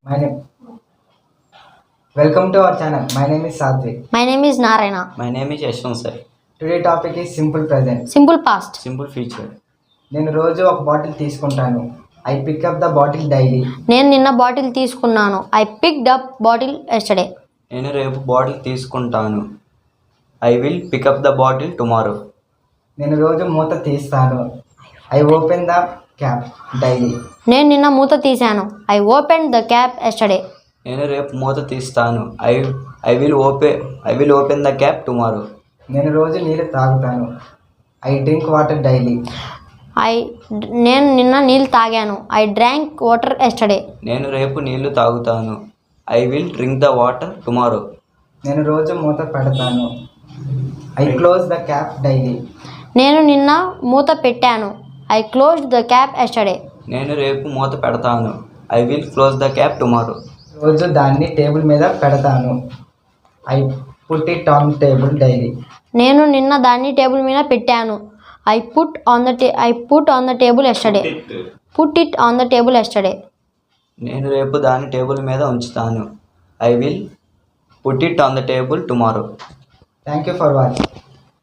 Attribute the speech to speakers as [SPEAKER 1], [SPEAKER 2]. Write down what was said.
[SPEAKER 1] My name. Welcome to our channel. My name is Satvik.
[SPEAKER 2] My name is Narayana.
[SPEAKER 3] My name is Yashwant sir.
[SPEAKER 1] Today topic is simple present.
[SPEAKER 2] Simple past.
[SPEAKER 3] Simple future.
[SPEAKER 1] నేను రోజు ఒక bottle తీసుకుంటాను. I pick up the bottle daily.
[SPEAKER 2] నేను నిన్న bottle తీసుకున్నాను. I picked up bottle yesterday.
[SPEAKER 3] నేను రేపు bottle తీసుకుంటాను. I will pick up the bottle tomorrow.
[SPEAKER 1] నేను రోజు మూత తీస్తాను. I open the cap daily.
[SPEAKER 2] నేను నిన్న మూత తీశాను. I opened the cap yesterday.
[SPEAKER 3] నేను రేపు మూత తీస్తాను. I will open the cap tomorrow.
[SPEAKER 1] నేను రోజు నీళ్ళు తాగుతాను. I drink water daily.
[SPEAKER 2] నేను నిన్న నీళ్ళు తాగాను. I drank water yesterday.
[SPEAKER 3] నేను రేపు నీళ్లు తాగుతాను. I will drink the water tomorrow.
[SPEAKER 1] నేను రోజు మూత పెడతాను. I close the cap daily.
[SPEAKER 2] నేను నిన్న మూత పెట్టాను. I closed the cap yesterday.
[SPEAKER 3] నేను రేపు మూత పెడతాను. I will close the cap tomorrow.
[SPEAKER 1] రోజు దాన్ని టేబుల్ మీద పెడతాను. I put it on table daily.
[SPEAKER 2] నేను నిన్న దాన్ని టేబుల్ మీద పెట్టాను. I put on the table yesterday. Put it on the table yesterday.
[SPEAKER 3] నేను రేపు దాన్ని టేబుల్ మీద ఉంచుతాను. I will put it on the table tomorrow.
[SPEAKER 1] Thank you for watching.